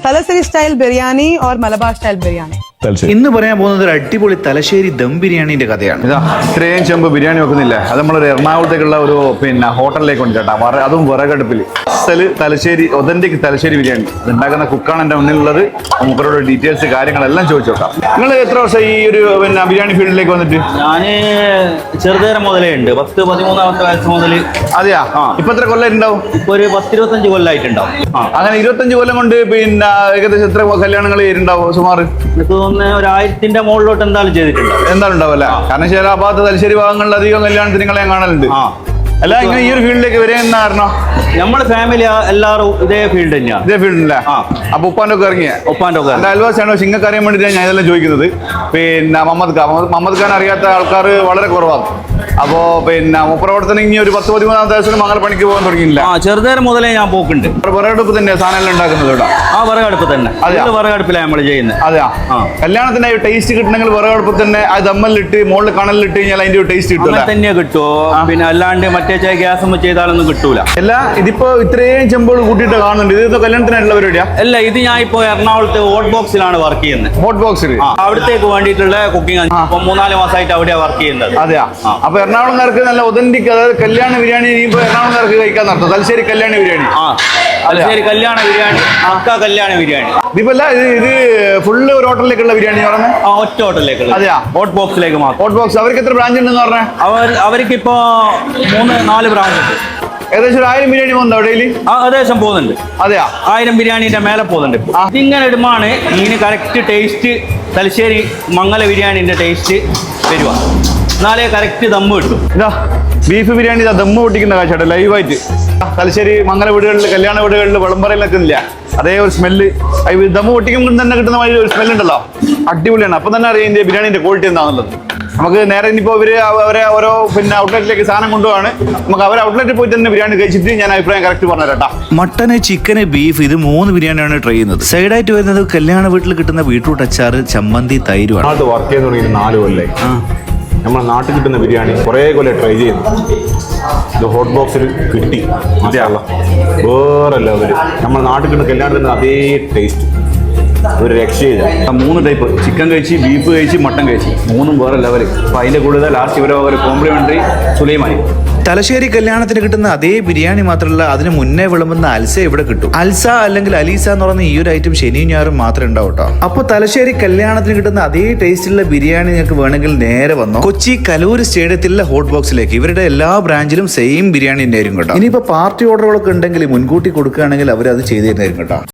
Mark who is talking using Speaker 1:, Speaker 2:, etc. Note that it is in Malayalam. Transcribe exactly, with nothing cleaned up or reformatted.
Speaker 1: Thalassery style biryani or Malabar style biryani.
Speaker 2: ഇന്ന് പറയാൻ പോകുന്നത് ഒരു അടിപൊളി തലശ്ശേരി ദം ബിരിയാണിന്റെ കഥയാണ്.
Speaker 3: ഇതാ ഇത്രയും ചെമ്പ് ബിരിയാണി വെക്കുന്നില്ല, അത് നമ്മളൊരു എറണാകുളത്തേക്കുള്ള ഒരു പിന്നെ ഹോട്ടലിലേക്ക് ഉണ്ട് ചേട്ടാ. അതും വിറകടുപ്പിൽ അസല് തലശ്ശേരി ഒതന്റിക് തലശ്ശേരി ബിരിയാണി അതുണ്ടാക്കുന്ന കുക്കാണ് എൻ്റെ മുന്നിലുള്ളത്. നമുക്കവരോട് ഡീറ്റെയിൽസ് കാര്യങ്ങളെല്ലാം ചോദിച്ചു നോക്കാം. നിങ്ങൾ എത്ര വർഷം ഈ ഒരു പിന്നെ ബിരിയാണി ഫീൽഡിലേക്ക് വന്നിട്ട്?
Speaker 4: ഞാന് ചെറുതേരം മുതലേ ഉണ്ട്, പത്ത് പതിമൂന്നാമത്തെ വയസ്സ് മുതൽ.
Speaker 3: അതെയാ? ഇപ്പൊ എത്ര കൊല്ലം ഉണ്ടാവും?
Speaker 4: ഇപ്പൊ ഒരു പത്തിരുപത്തഞ്ച് കൊല്ലമായിട്ടുണ്ടാവും.
Speaker 3: അങ്ങനെ ഇരുപത്തഞ്ച് കൊല്ലം കൊണ്ട് പിന്നെ ഏകദേശം എത്ര കല്യാണങ്ങൾ ഉണ്ടാവും സുമാർ?
Speaker 4: എനിക്ക് തോന്നുന്നു ഒരു ആയിരത്തിന്റെ മുകളിലോട്ട് എന്തായാലും ചെയ്തിട്ടുണ്ടാവും.
Speaker 3: എന്തായാലും ഉണ്ടാവല്ലേ? കാരണം ചില ആ ഭാഗത്ത് തലശ്ശേരി ഭാഗങ്ങളിൽ അധികം കല്യാണത്തിന് നിങ്ങളെ ഞാൻ കാണലുണ്ട്. അല്ല, ഇങ്ങനെ ഈ ഒരു ഫീൽഡിലേക്ക് വരെ എന്നാ കാരണം?
Speaker 4: നമ്മുടെ ഫാമിലി എല്ലാവരും ഇതേ ഫീൽഡ് തന്നെയാണ്.
Speaker 3: ഇതേ ഫീൽഡില്ല? അപ്പൊ ഉപ്പാൻ്റെ ഒക്കെ ഇറങ്ങിയ
Speaker 4: ഉപ്പാൻ്റെ ഒക്കെ
Speaker 3: എന്റെ അയൽവാസിയാണോ നിങ്ങൾക്ക് അറിയാൻ വേണ്ടിയിട്ടാണ് ഞാൻ ഇതെല്ലാം ചോദിക്കുന്നത്. പിന്നെ മുഹമ്മദ് ഖാൻ മുഹമ്മദ് ഖാൻ അറിയാത്ത ആൾക്കാർ വളരെ കുറവാണ്. അപ്പോ പിന്നെ മുപ്രവർത്തനം ഇനി ഒരു പത്ത് പതിമൂന്നാമത്തെ വയസ്സിൽ മംഗല പണിക്ക് പോകാൻ തുടങ്ങിയില്ല?
Speaker 4: ആ, ചെറുതേരം മുതലേ ഞാൻ പോക്കുണ്ട്.
Speaker 3: വിറകടുപ്പ് തന്നെ സാധനം ഉണ്ടാക്കുന്നത് ഇവിടെ?
Speaker 4: ആ, വിറകടുപ്പ് തന്നെ. അതെ, വിറകടുപ്പിലാണ് നമ്മൾ ചെയ്യുന്നത്.
Speaker 3: അതെയാ? കല്യാണത്തിന്റെ ടേസ്റ്റ് കിട്ടണമെങ്കിൽ വിറകടുപ്പ് തന്നെ അത് ദമ്മലിട്ട് മുകളിൽ കണലിട്ട് കഴിഞ്ഞാൽ അതിന്റെ ഒരു ടേസ്റ്റ് കിട്ടും
Speaker 4: തന്നെ കിട്ടുമോ? പിന്നെ അല്ലാണ്ട് മറ്റേ ഗ്യാസ് ചെയ്താലൊന്നും കിട്ടൂല.
Speaker 3: അല്ല, ഇതിപ്പോ ഇത്രയും ചെമ്പുകൾ കൂട്ടിയിട്ട് കാണുന്നുണ്ട്. ഇത് കല്യാണത്തിനായിട്ടുള്ള പരിപാടിയാ?
Speaker 4: അല്ല, ഇത് ഞാൻ ഇപ്പോ എറണാകുളത്ത് ഹോട്ട് ബോക്സിലാണ് വർക്ക് ചെയ്യുന്നത്.
Speaker 3: ഹോട്ട് ബോക്സിൽ?
Speaker 4: അവിടത്തേക്ക് വേണ്ടിയിട്ടുള്ള കുക്കിംഗ് ഇപ്പൊ മൂന്നാല് മാസമായിട്ട് അവിടെയാണ് വർക്ക് ചെയ്യുന്നത്.
Speaker 3: അതെയാ? അപ്പൊ എറണാകുളംകാർക്ക് നല്ല ഒതന്റിക്, അതായത് കല്യാണ ബിരിയാണി ഇനിയിപ്പോ എറണാകുളംകാർക്ക് കഴിക്കാൻ നടത്തും. തലശ്ശേരി കല്യാണ ബിരിയാണി.
Speaker 4: ആ, തലശ്ശേരി കല്യാണ ബിരിയാണി, അക്ക കല്യാണ ബിരിയാണി.
Speaker 3: ഇതിപ്പല്ല, ഇത് ഇത് ഫുള്ള് ഒരു ഹോട്ടലിലേക്കുള്ള ബിരിയാണി പറഞ്ഞത്?
Speaker 4: ആ, ഒറ്റ ഹോട്ടലിലേക്ക്.
Speaker 3: അതെയാ?
Speaker 4: ഹോട്ട് ബോക്സിലേക്ക് മാത്രം.
Speaker 3: Hot box. അവർക്ക് എത്ര ബ്രാഞ്ച് ഉണ്ടെന്ന് പറഞ്ഞാൽ?
Speaker 4: അവർ അവർക്ക് ഇപ്പോ മൂന്ന് നാല് ബ്രാഞ്ച് ഉണ്ട്.
Speaker 3: ഏകദേശം ഒരു ആയിരം ബിരിയാണി പോകുന്നുണ്ടോ ഡെയിലി?
Speaker 4: ആ, ഏകദേശം പോകുന്നുണ്ട്.
Speaker 3: അതെയാ?
Speaker 4: ആയിരം ബിരിയാണിന്റെ മേലെ പോകുന്നുണ്ട്. ഇതിങ്ങനെ ഇടുമാണ് ഇതിന് കറക്റ്റ് ടേസ്റ്റ് തലശ്ശേരി മംഗല ബിരിയാണിന്റെ ടേസ്റ്റ് വരുക. എന്നാലേ കറക്റ്റ് ദമ്മ് കിട്ടും.
Speaker 3: ഇതാ ബീഫ് ബിരിയാണി ഇതാ ദമ്മ് പൊട്ടിക്കുന്ന കാഴ്ച ലൈവായിട്ട്. തലശ്ശേരി മംഗല വീടുകളിൽ കല്യാണ വീടുകളിൽ വിളമ്പറയിലൊക്കെ ഇല്ല അതേ ഒരു സ്മെല്ല്. ദമ്മ് പൊട്ടിക്കുമ്പോൾ തന്നെ കിട്ടുന്ന മാതിരി ഒരു സ്മെല്ലുണ്ടല്ലോ, അടിപൊളിയാണ്. അപ്പം തന്നെ അറിയാം ഇതിന്റെ ബിരിയാണിന്റെ ക്വാളിറ്റി എന്താണെന്നുള്ളത്. നമുക്ക് നേരെ ഇനിയിപ്പോൾ ഇവര് അവരെ ഓരോ പിന്നെ ഔട്ട്ലെറ്റിലേക്ക് സാധനം കൊണ്ടുപോവാണ്. നമുക്ക് അവരെ ഔട്ട്ലെറ്റിൽ പോയിട്ട് തന്നെ ബിരിയാണി കഴിച്ചിട്ട് ഞാൻ അഭിപ്രായം കറക്റ്റ് പറഞ്ഞു തരാം.
Speaker 2: മട്ടന്, ചിക്കന്, ബീഫ് ഇത് മൂന്ന് ബിരിയാണിയാണ് ട്രൈ ചെയ്യുന്നത്. സൈഡായിട്ട് വരുന്നത് കല്യാണ വീട്ടിൽ കിട്ടുന്ന ബീട്രൂട്ട് അച്ചാറ്, ചമ്മന്തി, തൈരുമാണ്.
Speaker 5: അത് വർക്ക് ചെയ്ത് തുടങ്ങി നാല് കൊല്ലേ. നമ്മളെ നാട്ടിൽ കിട്ടുന്ന ബിരിയാണി കുറേ കൊല്ലം ട്രൈ ചെയ്യുന്നു. ഇത് ഹോട്ട് ബോക്സിൽ കിട്ടി, മതിയാള വേറെ ലെവല്. നമ്മളെ നാട്ടിൽ കിട്ടുന്ന കല്യാണത്തിന് അതേ ടേസ്റ്റ്, ഒരു രക്ഷയില്ല.
Speaker 3: മൂന്ന് ടൈപ്പ് ചിക്കൻ കഴിച്ച്, ബീഫ് കഴിച്ച്, മട്ടൻ കഴിച്ച്, മൂന്നും വേറെ ലെവല്. അപ്പൊ അതിന്റെ കൂടുതൽ ലാസ്റ്റ് ഇവരെ ഒരു കോംപ്ലിമെന്ററി സുലൈമാനി.
Speaker 2: തലശ്ശേരി കല്യാണത്തിന് കിട്ടുന്ന അതേ ബിരിയാണി മാത്രമല്ല, അതിന് മുന്നേ വിളമ്പുന്ന അൽസ ഇവിടെ കിട്ടും. അൽസ അല്ലെങ്കിൽ അലീസ എന്ന് പറയുന്ന ഈ ഒരു ഐറ്റം ശനിയും ഞായറും മാത്രമേ ഉണ്ടാവും കേട്ടോ. അപ്പൊ തലശ്ശേരി കല്യാണത്തിന് കിട്ടുന്ന അതേ ടേസ്റ്റിലുള്ള ബിരിയാണി നിങ്ങൾക്ക് വേണമെങ്കിൽ നേരെ വന്നോ കൊച്ചി കലൂര് സ്റ്റേഡിയത്തിലെ ഹോട്ട് ബോക്സിലേക്ക്. ഇവരുടെ എല്ലാ ബ്രാഞ്ചിലും സെയിം ബിരിയാണി തന്നെയായിരിക്കും കേട്ടോ. ഇനിയിപ്പോ പാർട്ടി ഓർഡറുകളൊക്കെ ഉണ്ടെങ്കിൽ മുൻകൂട്ടി കൊടുക്കുകയാണെങ്കിൽ അവർ അത് ചെയ്തു തരുന്നതായിരിക്കും കേട്ടോ.